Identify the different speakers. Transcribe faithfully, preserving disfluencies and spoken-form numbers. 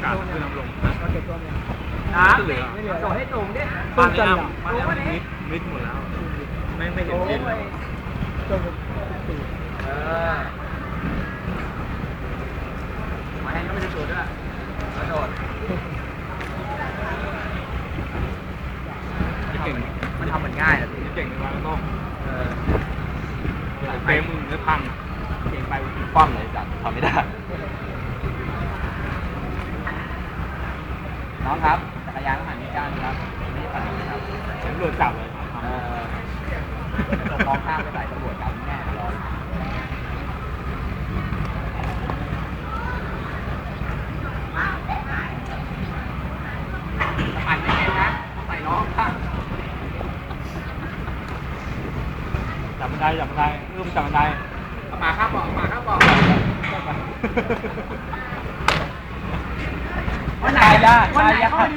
Speaker 1: การขึ้นน้ำลง
Speaker 2: เราเก็บตัวเนี่ย
Speaker 3: น้ำเหลือโดดให้สูงดิ
Speaker 1: บ้านนี้อ่ะบ้านนี้มิดมิดหมดแล้วไม่ไม่เห็น
Speaker 3: โอ้
Speaker 1: เส้นเลย
Speaker 3: ย
Speaker 2: จนสี่
Speaker 3: เออมาให้ก็ไม่ได้โดดด้วยกระโดด
Speaker 1: จะเก่ง
Speaker 3: มันทำเหมือนง่ายอะสิ
Speaker 1: จะเก่งในวันต้อง
Speaker 3: เออ
Speaker 1: เฟรมมึงไม่พัง
Speaker 3: เก่งไปกูคว่ำเลยจัดทำไม่ได้ น้องครับจักรยานต้องหันนี้ก้านครับไม่ใช่ปั่นนี้ครับ
Speaker 1: ฉันโดนจับเลย
Speaker 3: เออมองข้ามไปใส่ตำรวจจับแน่รอปั่นไม่เป็นนะต้องใส่น้องครับ
Speaker 1: จับบันไดจับบันไดเริ่มจับบันได
Speaker 3: เอาหมาข้ามบอกเอาหมาข้ามบอก วันไหนวันไหน